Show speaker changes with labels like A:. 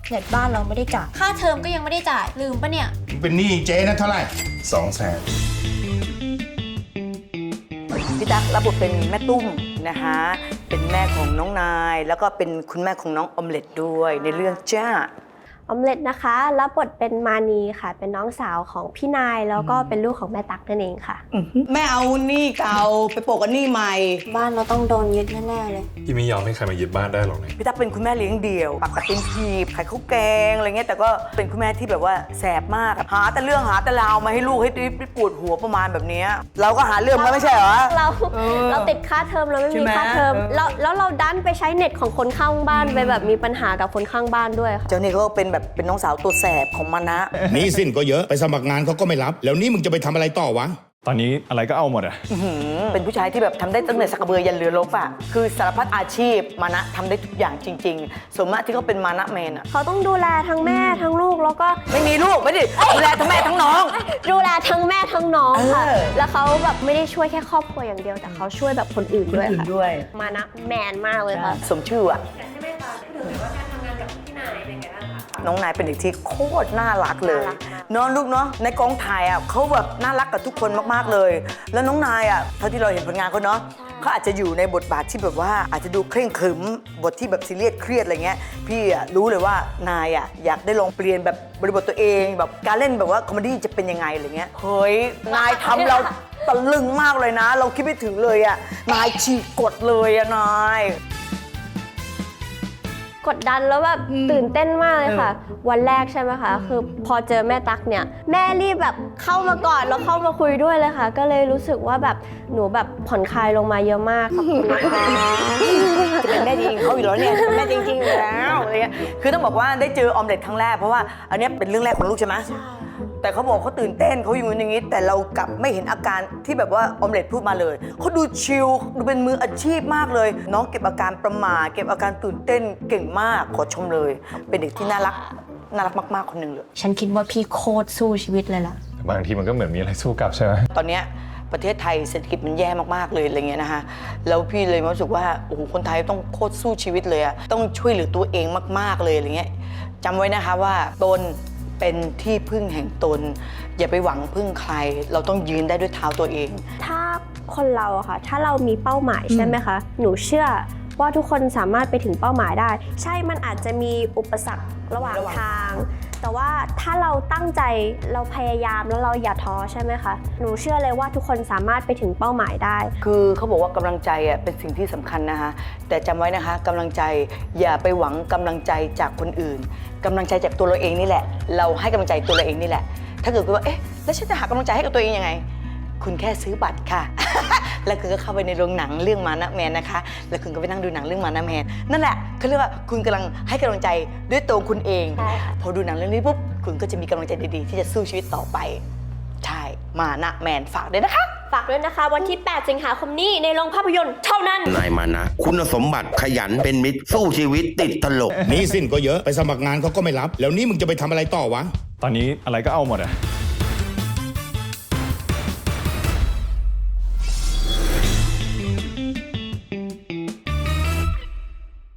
A: เน็ตบ้านเราไม่ได้จ่ายค่าเทอมก็ยังไม่ได้จ่ายลืมปะเนี่ย
B: เป็นหนี้เจ๊นะเท่าไหร่200,000
C: พี่ตั๊กรับบทเป็นแม่ตุ้มนะคะเป็นแม่ของน้องนายแล้วก็เป็นคุณแม่ของน้องออมเล็ตด้วยในเรื่องจ้า
D: ออมเล็ตนะคะรับบทเป็นมานีค่ะเป็นน้องสาวของพี่นายแล้วก็เป็นลูกของแม่ตั๊กนั่นเองค่ะ
C: แม่เอาหนี้เก่าไปโปะกับหนี้ใหม่
A: บ้านเราต้องโดนยึดแน่ๆเลย
E: พี่ไม่ยอมให้ใครมายึดบ้านได้หรอกนะ
C: พี่ตั๊กเป็นคุณแม่เลี้ยงเดี่ยวปักตินทีบขายข้าวแกงอะไรเงี้ยแต่ก็เป็นคุณแม่ที่แบบว่าแสบมากหาแต่เรื่องหาแต่ราวมาให้ลูกให้ปวดหัวประมาณแบบนี้เราก็หาเรื่องมาไม่ใช่เหรอ
D: เราติดค่าเทอมเราไม่มีค่าเทอมแล้วเราดันไปใช้เน็ตของคนข้างบ้านไปแบบมีปัญหากับคนข้างบ้านด้วยค่ะ
C: เจ้านี่เขาก็เป็นน้องสาวตัวแสบของมันนะ
B: หนี้สิ้นก็เยอะไปสมัครงานเขาก็ไม่รับแล้วนี่มึงจะไปทำอะไรต่อวะ
E: ตอนนี้อะไรก็เอาหมดอะ
C: เป็นผู้ชายที่แบบทำได้ตั้งแต่สักกระเบือยันเรือรบอะคือสารพัดอาชีพมานะทำได้ทุกอย่างจริงๆส่วนมากที่เขาเป็นมานะแมนอะ
D: เขาต้องดูแลทั้งแม่ทั้งลูกแล้วก็
C: ไม่มีลูกไม่ได้ดูแลทั้งแม่ทั้งน้อง
D: ดูแลทั้งแม่ทั้งน้องค่ะแล้วเขาแบบไม่ได้ช่วยแค่ครอบครัวอย่างเดียวแต่เขาช่วยแบบคนอื่นด้วยค่ะมานะแมนมากเลยค่ะ
C: สมชื่ออะน้องนายเป็นเด็กที่โคตรน่ารักเลยน้องลูกเนาะในกองถ่ายอ่ะเขาแบบน่ารักกับทุกคนมากๆเลยแล้วน้องนายอ่ะเท่าที่เราเห็นผลงานเขาเนาะเขาอาจจะอยู่ในบทบาทที่แบบว่าอาจจะดูเคร่งขรึมบทที่แบบซีเรียสเครียดอะไรเงี้ยพี่อ่ะรู้เลยว่านายอ่ะอยากได้ลองเปลี่ยนแบบบริบทตัวเองแบบการเล่นแบบว่าคอมเมดี้จะเป็นยังไงอะไรเงี้ยเฮ้ยนายทำเราตะลึงมากเลยนะเราคิดไม่ถึงเลยอ่ะนายฉีกกฎเลยอ่ะนาย
D: กดดันแล้วแบบตื่นเต้นมากเลยค่ะวันแรกใช่ไหมคะคือพอเจอแม่ตั๊กเนี่ยแม่รีบแบบเข้ามาก่อนแล้วเข้ามาคุยด้วยเลยค่ะก็เลยรู้สึกว่าแบบหนูแบบผ่อนคลายลงมาเยอะมากขอบคุณนะคะ
C: จะเป็นแม่จริงเขาอยู่แล้วเนี่ยแม่จริงๆแล้วอะไรเงี้ยคือต้องบอกว่าได้เจอออมเล็ตครั้งแรกเพราะว่าอันนี้เป็นเรื่องแรกของลูกใช่ไหมแต่เขาบอกเขาตื่นเต้นเขาอย่างนี้แต่เรากลับไม่เห็นอาการที่แบบว่าออมเล็ตพูดมาเลยเขาดูชิลดูเป็นมืออาชีพมากเลยน้องเก็บอาการประหม่าเก็บอาการตื่นเต้นเก่งมากขอชมเลยเป็นเด็กที่น่ารักมากๆคนหนึ่งเลย
A: ฉันคิดว่าพี่โคตรสู้ชีวิตเลยล่ะ
E: บางทีมันก็เหมือนมีอะไรสู้กลับใช่ไหม
C: ตอนนี้ประเทศไทยเศรษฐกิจมันแย่มากๆเลยอะไรเงี้ยนะคะแล้วพี่เลยรู้สึกว่าโอ้โหคนไทยต้องโคตรสู้ชีวิตเลยอะต้องช่วยเหลือตัวเองมากๆเลยอะไรเงี้ยจำไว้นะคะว่าตนเป็นที่พึ่งแห่งตนอย่าไปหวังพึ่งใครเราต้องยืนได้ด้วยเท้าตัวเอง
D: ถ้าคนเราอะค่ะถ้าเรามีเป้าหมายใช่ไหมคะหนูเชื่อว่าทุกคนสามารถไปถึงเป้าหมายได้ใช่มันอาจจะมีอุปสรรคระหว่างทางแต่ว่าถ้าเราตั้งใจเราพยายามแล้วเราอย่าท้อใช่ไหมคะหนูเชื่อเลยว่าทุกคนสามารถไปถึงเป้าหมายได้
C: คือเขาบอกว่ากำลังใจอะเป็นสิ่งที่สำคัญนะคะแต่จำไว้นะคะกำลังใจอย่าไปหวังกำลังใจจากคนอื่นกำลังใจจากตัวเราเองนี่แหละเราให้กำลังใจตัวเราเองนี่แหละถ้าเกิดว่าเอ๊ะแล้วฉันจะหากำลังใจให้กับตัวเองยังไงคุณแค่ซื้อบัตรค่ะ แล้วคุณก็เข้าไปในโรงหนังเรื่องมานะแมนนะคะแล้วคุณก็ไปนั่งดูหนังเรื่องมานะแมนนั่นแหละเขาเรียกว่าคุณกำลังให้กำลังใจด้วยตัวคุณเองพอดูหนังเรื่องนี้ปุ๊บคุณก็จะมีกำลังใจดีๆที่จะสู้ชีวิตต่อไปใช่มานะแมนฝากด้วยนะคะ
D: ฝากด้วยนะคะวันที่8 สิงหาคมนี้ในโรงภาพยนตร์เท่านั้น
B: นายมานะคุณสมบัติขยันเป็นมิตรสู้ชีวิตติดตลกหนี้สิ้นก็เยอะไปสมัครงานเขาก็ไม่รับแล้วนี่มึงจะไปทำอะไรต่อวะ
E: ตอนนี้อะไรก็เอาหมดอะ